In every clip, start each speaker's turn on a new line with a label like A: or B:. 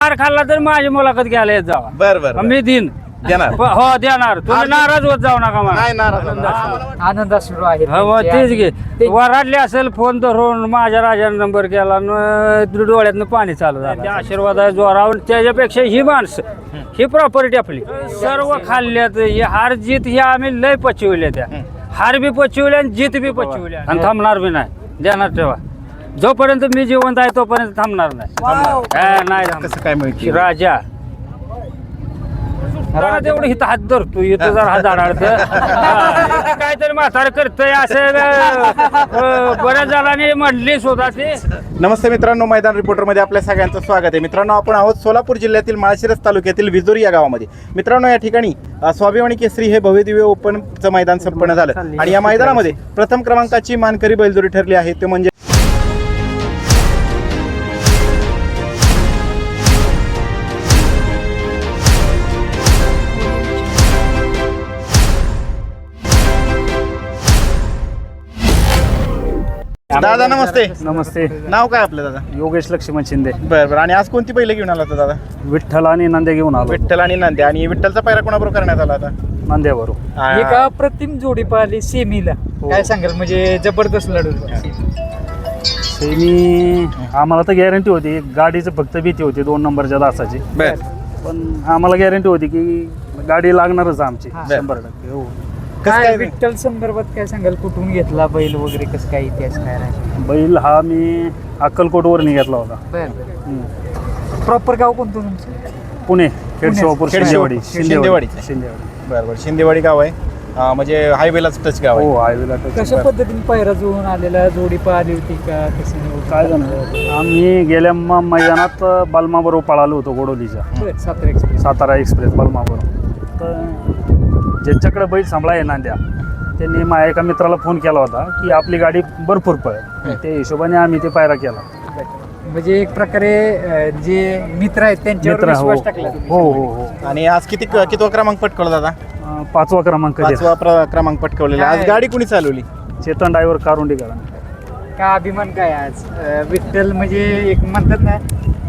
A: मार खाल्ला तर माझी मुलाखत घ्यायला येत जावा.
B: बर
A: मी दिन
B: देणार.
A: हो देणार. तुम्ही नाराज होत जाऊ नका मला.
B: नाही नाराज.
C: आनंद सुरू आहे
A: हो तेच घे. वराडले असेल फोन धरून माझ्या राजाने नंबर केला डोळ्यातनं पाणी चालू झालं. त्या आशीर्वाद आहे जोरावर. त्याच्यापेक्षा ही माणसं ही प्रॉपर्टी आपली सर्व खाल्ल्यात. ही हार जीत ही आम्ही लय पचविल्या. त्या हार बी पचविल्या आणि जीत बी पचविल्या आणि थांबणार बी नाही. ध्यानात ठेवा जोपर्यंत मी जिवंत आहे तोपर्यंत थांबणार नाही. नाही
B: कसं काय माहिती
A: राजा तेवढं इथं हात धरतो इथं जर हात आढळत काहीतरी म्हातार करतय असं बऱ्याच जणांनी म्हणली स्वतः ते.
B: नमस्ते मित्रांनो, मैदान रिपोर्टर मध्ये आपल्या सगळ्यांचं स्वागत आहे. मित्रांनो, आपण आहोत सोलापूर जिल्ह्यातील माळशिरस तालुक्यातील विजोरी या गावामध्ये. मित्रांनो, या ठिकाणी स्वाभिमानी केसरी हे भव्यदिव्य ओपनचं मैदान संपन्न झालं आणि या मैदानामध्ये प्रथम क्रमांकाची मानकरी बैलजोडी ठरली आहे ते म्हणजे दादा. नमस्ते.
A: नमस्ते.
B: नाव काय आपलं दादा?
A: योगेश लक्ष्मण शिंदे.
B: बरं. आणि आज कोणती बैल घेऊन आला होता दादा?
A: विठ्ठल आणि नंदे घेऊन आलो.
B: विठ्ठल आणि नांद्या. आणि विठ्ठलचा पायरा कोणाबरोबर करण्यात आला होता?
A: नंद्याबरोबर.
C: एक अप्रतिम जोडी पाहिली सेमीला. काय सांगाल म्हणजे जबरदस्त लढत.
A: सेमी आम्हाला तर गॅरंटी होती. गाडीचं फक्त भीती होती 2 नंबरच्या दासाची.
B: बर.
A: पण आम्हाला गॅरंटी होती की गाडी लागणारच आमची 100%. हो.
C: काय विठ्ठल संदर्भात काय सांगाल? कुठून घेतला बैल वगैरे कसं काय इतिहास काय राहील?
A: बैल हा मी अक्कलकोटवरून घेतला होता.
C: प्रॉपर गाव कोणतं तुमचं?
A: पुणे खेडशिवापूर शिंदेवाडी.
B: शिंदेवाडी.
A: शिंदेवाडी.
B: बरोबर. शिंदेवाडी गाव आहे. म्हणजे हायवेलाच टच गाव आहे.
A: हो हायवेला.
C: कशा पद्धतीने पायरा जुळून आलेला? जोडी पाहिली होती का? कसं
A: काय झालं, आम्ही गेल्या मैदानात बलमाबरोबर पळालो होतो गोडोलीच्या. सातारा एक्सप्रेस बलमाबरोबर. तर ज्यांच्याकडे बैल सांभाळा आहे नांद्या त्यांनी माझ्या एका मित्राला फोन केला होता की आपली गाडी भरपूर पळेल. त्या हिशोबाने आम्ही ते पायरा केला.
C: म्हणजे एक प्रकारे जे मित्र आहेत त्यांच्यावर विश्वास टाकला.
A: हो हो हो.
B: आणि आज कितवा क्रमांक पटकवला दादा?
A: 5वा क्रमांक.
B: 5वा क्रमांक पटकवलेला. आज गाडी कुणी चालवली?
A: चेतन ड्रायव्हर कारुंडीकर.
C: का अभिमान काय आज? विठ्ठल म्हणजे एक म्हणतात ना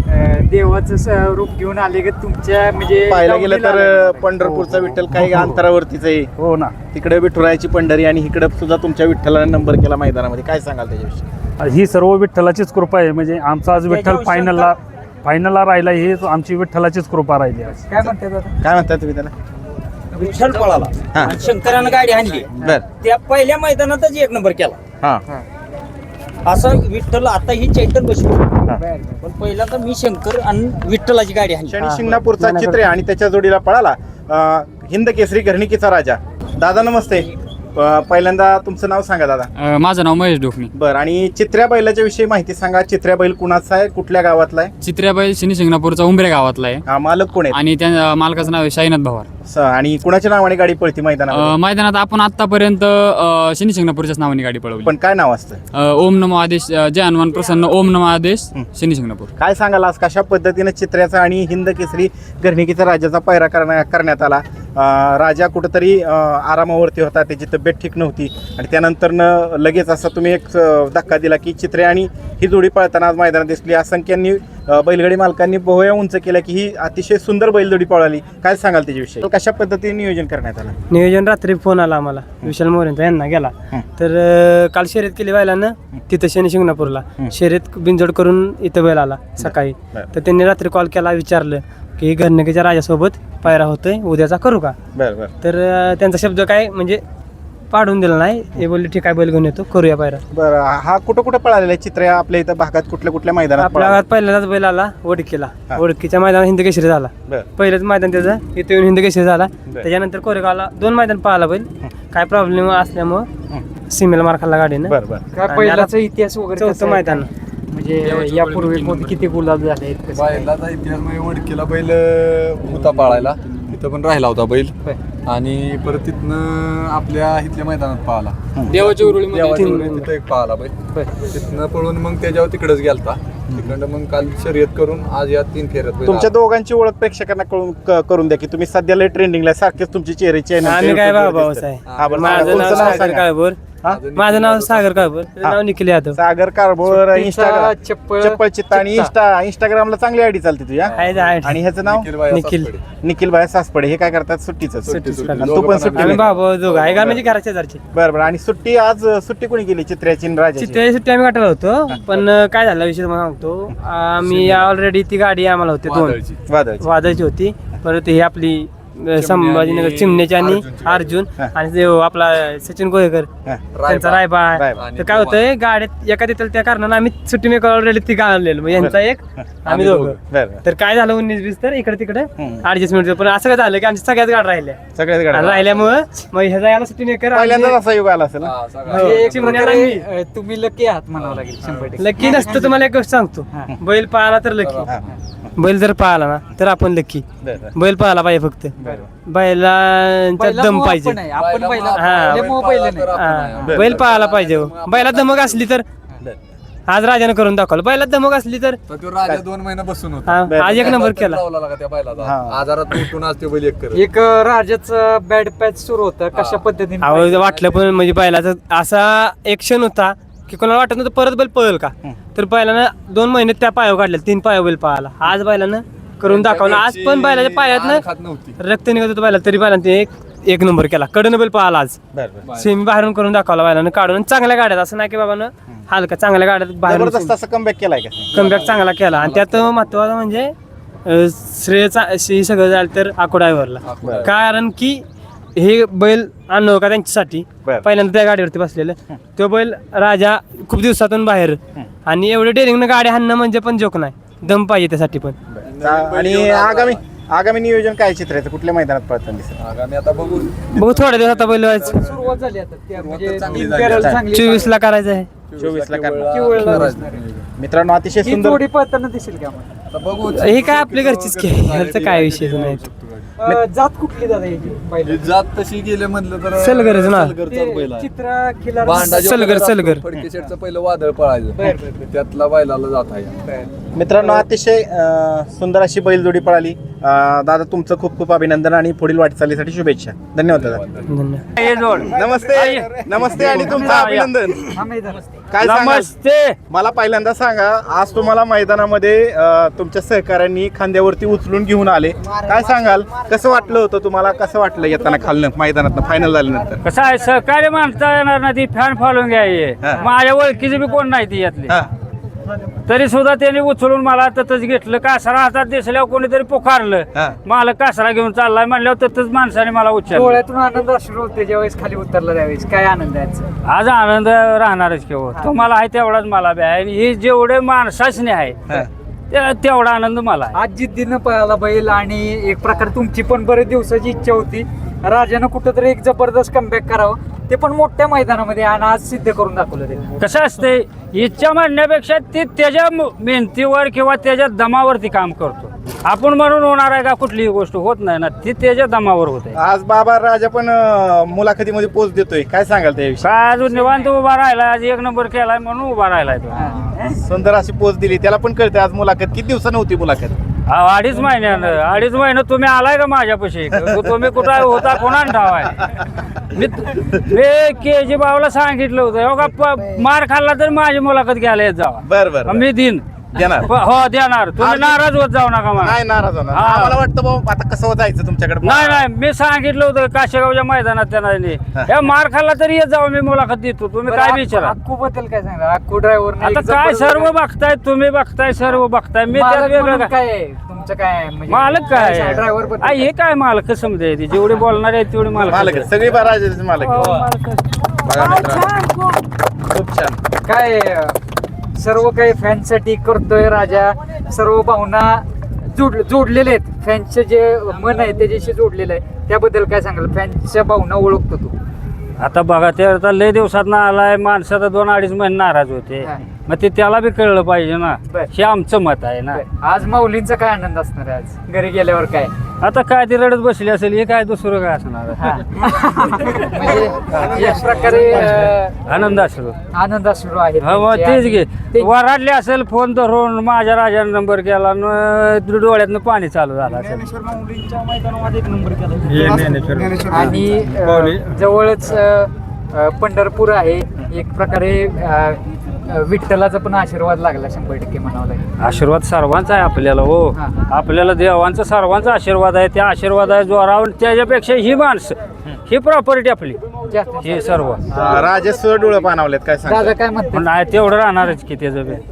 C: देवाचं रूप घेऊन आले की तुमच्या म्हणजे
B: पाहायला गेलं तर पंढरपूरचा विठ्ठल काही अंतरावरतीच आहे.
A: हो ना.
B: तिकडे विठुरायाची पंढरी आणि इकडे सुद्धा तुमच्या विठ्ठलाने नंबर केला मैदानामध्ये. काय सांगाल त्याच्याविषयी?
A: ही सर्व विठ्ठलाचीच कृपा आहे. म्हणजे आमचा आज विठ्ठल फायनलला राहिला ही आमची विठ्ठलाचीच कृपा राहिली आज.
C: काय म्हणतात आता?
B: काय म्हणताय तुम्ही त्याला?
D: विठ्ठल पळाला आणि शंकरानं गाडी आणली.
B: बर.
D: त्या पहिल्या मैदानातच 1 नंबर केला.
B: हा.
D: असं विठ्ठल आता ही चैतन बसली. पण पहिला तर मी शंकर आणि विठ्ठलाची गाडी आणली.
B: शनी शिंगणापूरचा चित्र आहे आणि त्याच्या जोडीला पळाला हिंद केसरी घरणिकीचा राजा. दादा नमस्ते. पहिल्यांदा तुमचं नाव सांगा दादा.
E: माझं नाव महेश डोकणी.
B: बरं. आणि चित्र्या बैलाच्या विषयी माहिती सांगा. चित्र्या बैल कुणाचा आहे, कुठल्या गावातला आहे?
E: चित्र्या बैल शनी शिंगणापूरचा उंबऱ्या गावातला आहे.
B: हा. मालक कोण आहे?
E: आणि त्या मालकाचं नाव आहे शाईनाथ भवार.
B: आणि कुणाच्या नावाने गाडी पळती मैदानात?
E: मैदानात आपण आतापर्यंत शनी शिंगणापूरच्याच नावाने गाडी पळवली.
B: पण काय नाव असतं?
E: ओम नमो आदेश जय हनुमान प्रसन्न ओम नमो आदेश शनी शिंगणापूर.
B: काय सांगाल आज कशा पद्धतीने चित्र्याचा आणि हिंद केसरी घरणिकीचा राजाचा पायरा करण्यात आला? राजा कुठंतरी आरामावरती होता, त्याची तब्येत ठीक नव्हती आणि त्यानंतरनं लगेच असा तुम्ही एक धक्का दिला की चित्रे आणि ही जोडी पळताना आज मैदानात दिसली. असंख्यांनी बैलगाडी मालकांनी बोहया उंच केल्या की ही अतिशय सुंदर बैलजोडी पळाली. काय सांगाल त्याच्याविषयी? कशा पद्धतीने नियोजन करण्यात आलं?
F: नियोजन रात्री फोन आला आम्हाला विशाल मोरेंचा, यांना गेला. तर काल शर्यत केली बैलानं तिथं शनी शिंगणापूरला. शर्यत बिनजोड करून इथं बैल आला सकाळी. तर त्यांनी रात्री कॉल केला, विचारलं की घरणिकीच्या राजासोबत पायरा होतोय, उद्याचा करू का?
B: बरं.
F: तर त्यांचा शब्द काय म्हणजे पाडून दिला नाही. हे बोलले ठीक आहे, बैल घेऊन येतो, करूया पायरा.
B: बरं. हा कुठं पळालेला आहे चित्र आपल्या इथं भागात? कुठल्या मैदानात?
F: आपल्या भागात पहिल्यांदाच बैल आला ओळखीला. ओळखीच्या मैदानात हिंद केसरी झाला. पहिलंच मैदान त्याचं इथे येऊन हिंद केसरी झाला. त्याच्यानंतर कोरेगावला 2 मैदान पळाला बैल. काय प्रॉब्लेम असल्यामुळं सीमेला मार खाल्ला गाडीनं.
B: बरं.
C: काय पहिलाचा इतिहास वगैरे?
F: 4थं मैदान.
C: म्हणजे यापूर्वी किती गुलाब झाले आहेत?
G: बैलाचा इतिहास म्हणजे वडकीला बैल होता पाळायला, तिथं पण राहिला होता बैल. आणि परत तिथनं आपल्या इथल्या मैदानात पाहिला,
E: देवाच्या उरुळीमध्ये
G: तिथं एक पाहिला बैल. तिथनं पळून मग त्याच्यावर तिकडच गेलता. तिकडं मग काल शर्यत करून आज या 3 फेऱ्यात बैल.
B: तुमच्या दोघांची ओळख प्रेक्षकांना करून द्या की तुम्ही सध्याला ट्रेंडिंगला सारखेच तुमची चेहऱ्याची
F: आम्ही काय भाऊ आहे. माझं नाव सागर काळभोर,
B: हा?
F: माझं नाव सागर काळभोर त्याचं नाव निखिल यादव.
B: सागर कारभोर इंस्टाग्राम
C: चप्पल
B: चप्पल चित्ता आणि इंस्टाग्रामला चांगली आयडी चालते तुझ्या
F: आहे.
B: आणि ह्याचं नाव
F: निखिल.
B: निखिल भाई सासपडे. हे काय करतात सुट्टीचं
F: सुट्टीचं.
B: आणि तू पण सुट्टी
F: आम्ही बाबा दोघं आहे का म्हणजे घराच्या शेजारचे.
B: बरं बरं. आणि सुट्टी आज सुट्टी कोणी केली चित्र्याची आणि राजाची?
F: चित्त्याची सुट्टी आम्ही काढला होतो पण काय झालं विषय तुम्हाला सांगतो. आम्ही ऑलरेडी ती गाडी आम्हाला होती 2
B: वादळची.
F: वादाची होती. परत ही आपली संभाजीनगर चिमण्याची आणि अर्जुन आणि ते आपला सचिन गोहेकर
B: हा.
F: त्यांचा रायबा आहे.
B: रायबा.
F: तर काय होतंय गाड्यात एका देतात त्या कारणानं आम्ही सुट्टी मेकर ऑलरेडी ती गाळलेलो. मग यांचा एक आम्ही दोघं.
B: बरं बरं.
F: तर काय झालं 19-20 तर इकडे तिकडे ऍडजस्टमेंट. पण असं काय झालं की आमच्या सगळ्याच गाड्या राहिल्या
B: सगळ्याच
F: आणि
B: गाड्या
F: राहिल्यामुळं मग ह्याचा याला सुट्टी मेकर
B: पहिल्यांदाच असा युग आला असेल ना?
C: म्हणजे एक
F: चिमण्याला
C: प्रकारे, तुम्ही लकी आहात म्हणावं लागेल 100%.
F: लकी नसतं. तुम्हाला एक गोष्ट सांगतो. बैल पाळाला तर लकी.
B: हा.
F: बैल जर पाळला ना तर आपण लकी.
B: बरं बरं.
F: बैल पाळाला पाहिजे फक्त. बैलांचा
C: पहिला
F: दम
C: मोह
F: पाहिजे.
C: आपण आहे. आपण पहिला
F: हा.
C: आपल्या मोह पहिलं नाही.
F: हा. बैल पाळायला पाहिजे हो. बैलात धमक असली तर आज राजाने करून दाखवलं. बैलात धमक असली तर
G: तर तो राजा 2 महिने बसून होता.
F: हा, आज एक नंबर केला.
G: लावला लागा त्या बैलाचा.
B: हा.
G: आजारात उठून आज ते बैल एक करत.
C: एक राजाचं बॅड पॅच सुरू होतं कशा पद्धतीने
F: आवड वाटलं पण म्हणजे बैलाचा असा एक क्षण होता की कोणाला वाटत नव्हतं परत बैल पळेल का. तर बैलानं 2 महिने त्या पायावर काढले. 3 पायावर बैल पळाला. आज बैलानं करून दाखवलं. आज पण बैलाच्या
G: खात
F: पायातनं
G: नव्हती.
F: रक्त निघत होतं बैला तरी बैलानं ते एक नंबर केला. कडनं बैल पळाला आज.
B: बरं बरं.
F: सेमी बाहेरून करून दाखवला बैलानं काढून. आणि चांगल्या गाड्यात असं नाही की बाबानं हलका चांगल्या गाड्यात बाहेरून
B: जबरदस्त असं कमबॅक केलाय का?
F: कमबॅक चांगला केला. आणि त्यात महत्वाचं म्हणजे श्रेय सगळं झालं तर आको ड्रायव्हरला. कारण की हे बैल आणलं का त्यांच्यासाठी.
B: बरं.
F: पहिल्यांदा त्या गाडीवरती बसलेलं तो बैल राजा खूप दिवसातून बाहेर. आणि एवढे डेअरिंगनं गाडी हाणणं म्हणजे पण जोक नाही. दम पाहिजे त्यासाठी पण.
B: आणि आगामी नियोजन काय चित्राचं? कुठल्या मैदानात पळताना दिसेल?
G: आगामी आता बघू.
F: बघू थोड्या दिवस आता बैल व्हायचं.
C: सुरुवात झाली आता त्या म्हणजे
G: चांगली
C: तीन
G: झाली.
C: फेऱ्याला चांगली
F: 24 करायचं आहे.
B: 24 ला करणार.
C: किवळला
B: मित्रांनो अतिशय
C: ही
B: सुंदर
C: जोडी पळताना दिसेल का आम्हाला?
G: आता बघू.
F: हे काय आपली घरचीच खेळ ह्याचं काय विषय नाही.
C: जात कुठली दादा याची
G: ही
C: पहिली?
G: जात तशी गेले म्हणलं तर
F: सलगरच ना.
G: सलगरचा बैल आहे.
C: चित्रा खिलार
G: भांडा जो
F: सलगर,
G: असतो,
F: सलगर.
G: फडके शेटचं पहिलं वादळ पळायचं. त्यातला बैलाला जात आहे.
B: मित्रांनो अतिशय सुंदर अशी बैलजोडी पळाली. दादा तुमचं खूप खूप अभिनंदन आणि पुढील वाटचालीसाठी शुभेच्छा. धन्यवाद दादा.
F: धन्यवाद.
A: हे जोड.
B: नमस्ते नमस्ते आणि तुमचं अभिनंदन.
C: हा मैदान.
B: काय सांगाल?
A: नमस्ते.
B: मला पहिल्यांदा सांगा, आज तुम्हाला मैदानामध्ये तुमच्या सहकाऱ्यांनी खांद्यावरती उचलून घेऊन आले. काय सांगाल? कसं वाटलं होतं तुम्हाला? कसं वाटलं येताना खालनं मैदानात फायनल झाल्यानंतर?
A: कसं आहे सहकार्य माणसा येणार ना ती फॅन फॉलोइंग घ्यायची.
B: हा.
A: माझ्या ओळखीची बी कोण नाही ती यातली.
B: हा.
A: तरी सुद्धा त्यांनी उचलून मला ततच घेतलं. कासरा हातात दिसल्यावर कोणीतरी पुकारलं.
B: हा.
A: मला कासरा घेऊन चाललाय म्हणल्यावर ततच माणसाने मला उचललं.
C: डोळ्यातून आनंद अश्रू होते ज्यावेळेस खाली उतरला त्यावेळेस. काय आनंद आहे आजचा?
A: आज आनंद राहणारच किंवा तुम्हाला आहे तेवढाच मला बी आहे. आणि ही जेवढे माणसाचने आहे
B: हा.
A: तेवढा आनंद मला आहे.
C: आज जिद्दीनं पळाला बैल आणि एक प्रकारे तुमची पण बरेच दिवसाची इच्छा होती राजानं कुठंतरी एक जबरदस्त कमबॅक करावं, ते पण मोठ्या मैदानामध्ये, आणि आज सिद्ध करून दाखवलं ते.
A: कसं असते इच्छा म्हणण्यापेक्षा ते त्याच्या मेहनतीवर किंवा त्याच्या दमावरती काम करतो. आपण म्हणून होणार आहे का? कुठलीही गोष्ट होत नाही ना, ती त्याच्या दमावर होते.
B: आज बाबा राजा पण मुलाखतीमध्ये पोच देतोय. काय सांगाल त्याविषयी?
A: काय अजून निवांत उभा राहिला, आज एक नंबर केलाय म्हणून उभा राहिलाय तो.
B: सुंदर अशी पोच दिली. त्याला पण कळते आज मुलाखत किती दिवसानं होती मुलाखत?
A: 2.5 महिन्यानं. 2.5 महिने तुम्ही आलाय का माझ्यापाशी? तुम्ही कुठं होता? कोणा ठावाय? मी KG भाऊला सांगितलं होतं, हो का मार खाल्ला तर माझी मुलाखत घ्यायला येत जावा.
B: बरं
A: मी दिन
B: देणार.
A: हो देणार. तुम्ही नाराज होत जाऊ नका मला.
B: नाही नाराज होणार.
A: हा.
B: आम्हाला वाटतं भाऊ आता कसं जायचं तुमच्याकडे.
A: नाही मी सांगितलं होतं काशेगावच्या मैदानात त्यांना. हे मार खाल्ला तरी येत जावा, मी मुलाखत देतो. तुम्ही काय विचारा?
C: अक्कू बद्दल काय सांगणार? अक्कू ड्रायव्हर
A: आता काय सर्व बघताय तुम्ही, बघताय सर्व बघताय. मी त्यात वेगळं काय?
C: काय आहे? तुमचं काय आहे? म्हणजे
A: मालक काय?
C: ड्रायव्हर बद्दल
A: हे काय मालक समजा जेवढे बोलणार आहेत तेवढे
B: मालक
A: मालक
B: आहे. सगळी राजाचे मालक आहे.
A: हो, मालक.
B: बघा मित्रांनो, खूप छान.
C: काय सर्व काही फॅनसाठी करतोय राजा. सर्व भावना जोडलेले आहेत. फॅनचे जे मन आहे त्याच्याशी जोडलेलं आहे. त्याबद्दल काय सांगाल? फॅनच्या भावना ओळखतो तू.
A: आता बघा ते आता लय दिवसात ना आलाय. माणसं तर 2-2.5 महिने नाराज होते.
C: हा.
A: मग ते त्याला बी कळलं पाहिजे ना.
C: बर.
A: हे आमचं मत आहे ना.
C: आज माऊलींचा काय आनंद असणार आहे? आज घरी गेल्यावर काय?
A: आता काय ती रडत बसली असेल, हे काय दुसरं काय असणार?
C: म्हणजे एक प्रकारे
A: आनंद असलो.
C: आनंद असणार आहे.
A: हा मग तेच घे. वराडले असेल फोन धरून माझ्या राजाने नंबर केला न डोळ्यातनं पाणी चालू झालं असेल.
C: आणि जवळच पंढरपूर आहे, एक प्रकारे विठ्ठलाचा पण आशीर्वाद लागला 100% म्हणावं लागेल.
A: आशीर्वाद सर्वांचा आहे आपल्याला हो.
C: हा.
A: आपल्याला देवांचा सर्वांचा आशीर्वाद आहे. त्या आशीर्वादाच्या जोरावर त्याच्यापेक्षा ही माणसं ही प्रॉपर्टी आपली
C: जास्त-
A: हे सर्व
B: राजा सुद्धा डोळं पाणावलेत काय
C: दादा
B: सांगता
C: काय म्हणते?
A: पण नाही तेवढं राहणारच की त्याचं बी.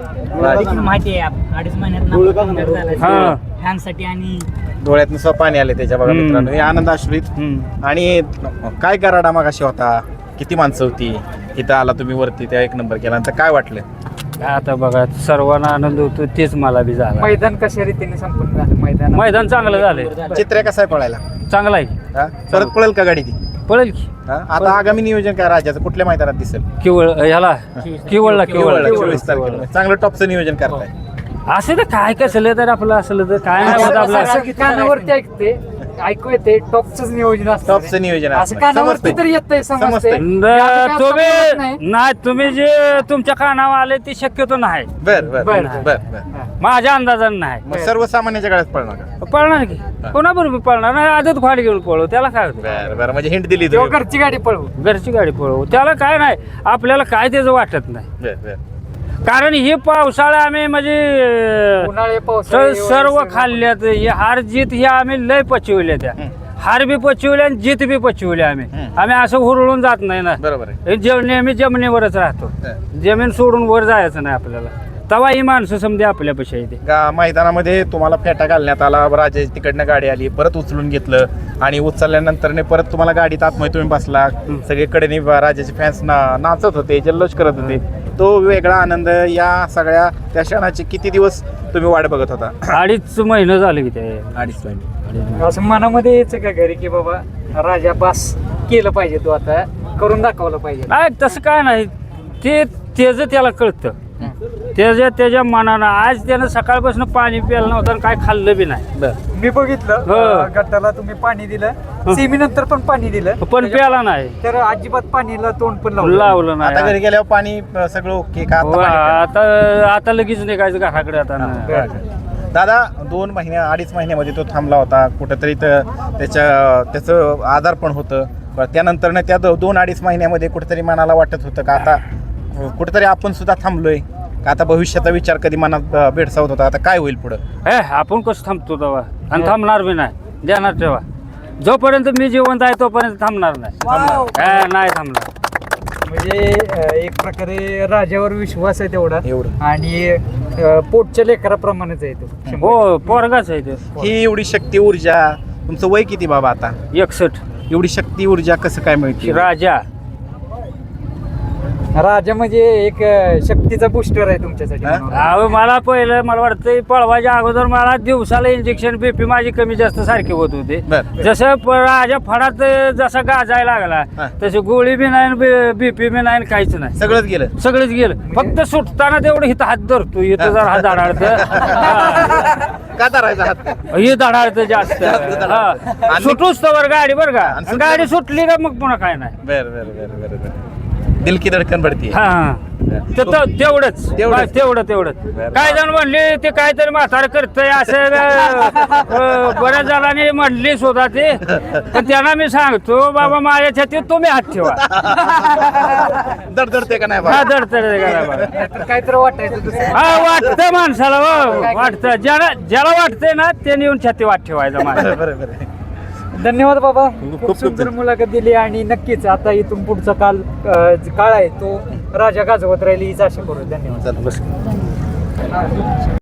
H: माहिती आहे 2.5 महिन्यात
A: हा.
H: फॅनसाठी आणि
B: डोळ्यातनं सुद्धा पाणी आले त्याच्या बघा
A: हम्म.
B: मित्रांनो, हे आनंद आश्रित.
A: हम्म.
B: आणि काय कराडा मग अशी होता, किती माणसं होती इथं आला तुम्ही वरती, त्या 1 नंबर केला, तर काय वाटलं?
A: आता बघा सर्वांना आनंद होतो तेच मला बी झाला.
C: मैदान कशा रीतीने संपूर्ण झालं?
A: मैदान चांगलं झालंय,
B: चित्र्या कसा आहे पळायला?
A: चांगलं आहे.
B: हा? परत पळेल का गाडी ती?
A: पळेल की
B: हा? आता आगामी नियोजन काय राजाचं, कुठल्या मैदानात दिसेल?
A: किवळ ह्याला किवळला
B: केवळला,
A: किवळ
B: 24 तारखेला. चांगलं टॉपचं नियोजन करताय.
A: असं तर काय कसलं तर आपलं असलं तर काय नाही होत आपलं.
C: असं कानावरती ऐकू येते टॉपच नियोजन असतं.
B: टॉपचं नियोजन
C: असं
B: असतं.
C: कानावरती
B: समजतंय.
C: तरी येतंय, समजतंय.
B: समजतंय.
A: तुम्ही नाही तुम्ही जे तुमच्या कानावर आले ते शक्यतो नाही,
B: बर बर
C: बर.
B: बर बर.
A: माझ्या अंदाजानं नाही.
B: मग सर्वसामान्याच्या गळ्यात पळणार का?
A: पळणार की कोणाबरोबर पळणार नाही, आदत फाड घेऊन पळू त्याला काय होतं.
B: बर बर, म्हणजे हिंट दिली
C: तेव्हा
B: तुम्ही.
C: घरची गाडी पळवू.
A: घरची गाडी पळवू त्याला काय नाही, आपल्याला काय त्याचं वाटत नाही.
B: बर बर.
A: कारण ही पावसाळा आम्ही म्हणजे
C: उन्हाळे पावसाळे
A: सर्व खाल्ल्यात, ही हार जीत ही आम्ही लय पचवल्या त्या. हार बी पचवल्या आणि जीत बी पचवली आम्ही. आम्ही असं हुरळून जात नाही ना.
B: बरोबर आहे.
A: हे नेहमी जमिनीवरच राहतो, जमीन सोडून वर जायचं नाही आपल्याला. तेव्हा ही माणसं समजे आपल्यापेक्षा येते.
B: मैदानामध्ये तुम्हाला फेटा घालण्यात आला, राजा तिकडनं गाडी आली, परत उचलून घेतलं आणि उचलल्यानंतर परत तुम्हाला गाडीत आतमध्ये तुम्ही बसला, सगळीकडे राजाचे फॅन्स नाचत होते, जल्लोष करत होते. तो वेगळा आनंद, या सगळ्या त्या क्षणाचे किती दिवस तुम्ही वाट बघत होता?
A: 2.5 महिने झाले की ते.
B: 2.5 महिने.
C: असं मनामध्ये यायचं का घरी की बाबा राजा बास केलं पाहिजे, तो आता करून दाखवलं पाहिजे?
A: नाही तसं काय नाही, ते त्याचं त्याला कळतं. त्याच्या मनानं आज त्यानं सकाळपासून पाणी प्यायला नव्हतं आणि काय खाल्लं बी नाही.
C: मी बघितलं
A: हो.
C: गटाला तुम्ही पाणी दिलं, सेमी नंतर पण पाणी दिलं,
A: पण प्याला नाही,
C: तर अजिबात पाणीला तोंड पण
A: लावलं
B: आता घरी
A: नाही.
B: गेल्यावर पाणी सगळं ओके का? आता
A: वा,
B: पाणी प्यायला?
A: आता लगेच निघायचं घराकडे आता.
B: दादा 2 महिने 2.5 महिन्यामध्ये तो थांबला होता कुठंतरी, तर त्याचं आधार पण होतं. त्यानंतर त्या 2-2.5 महिन्यामध्ये कुठेतरी मनाला वाटत होतं का आता कुठेतरी आपण सुद्धा थांबलोय का? आता भविष्याचा विचार कधी मनात भेडसावत होता, आता काय होईल पुढं?
A: आपण कसं थांबतो तेव्हा, आणि थांबणार बी नाही. ध्यानात ठेवा, जोपर्यंत मी जिवंत आहे तोपर्यंत थांबणार नाही. नाही थांबणार.
C: म्हणजे एक प्रकारे राजावर विश्वास आहे तेवढा,
B: एवढं.
C: आणि पोटच्या लेकराप्रमाणेच आहे तो.
A: हो पोरगाच आहे ते.
B: ही एवढी शक्ती ऊर्जा, तुमचं वय किती बाबा आता?
A: 61.
B: एवढी शक्ती ऊर्जा कसं काय मिळते?
A: राजा
C: राजा म्हणजे एक शक्तीचा बुस्टर आहे तुमच्यासाठी.
A: अहो मला पहिलं मला वाटतं पळवायच्या अगोदर मला दिवसाला इंजेक्शन बीपी माझी कमी जास्त सारखे होत होते.
B: बर.
A: जसं राजा फडात जसा गाजायला लागला
B: हा.
A: तशी गोळी बी नाही, बीपी बी नाही, काहीच नाही.
B: सगळंच गेलं.
A: सगळंच गेलं, फक्त सुटताना तेवढं इथं हात धरतो, इथं जर हात धडाडतं.
B: का धरायचा हात?
A: हे धडाडतं जास्त. हा. सुटूच तर गाडी बरं का,
B: आणि
A: गाडी सुटली का मग पुन्हा काय नाही.
B: बर बर बर बर बर. दिल की धडकन भरती.
A: हा तेवढंच तेवढंच. काय जण म्हणले ते काहीतरी म्हातारं करतंय असं बऱ्याच जणांनी म्हणली सुद्धा ते, पण त्यांना मी सांगतो बाबा माझ्या छातीत तुम्ही हात ठेवा.
B: दडदडते का नाही
A: हा
B: बाबा?
A: दडतड
C: काहीतरी वाटायचं दुसरं.
A: हा वाटतं माणसाला, हो वाटतं, ज्याला वाटतंय ना त्याने येऊन छाती वाट ठेवायचा माझ्या.
B: बरोबर.
C: धन्यवाद बाबा,
B: खूप
C: खूप सुंदर मुलाखत दिली, आणि नक्कीच आता इथून पुढचा काळ आहे तो राजा गाजवत राहील हीच आशा करू. धन्यवाद.
B: चला बस.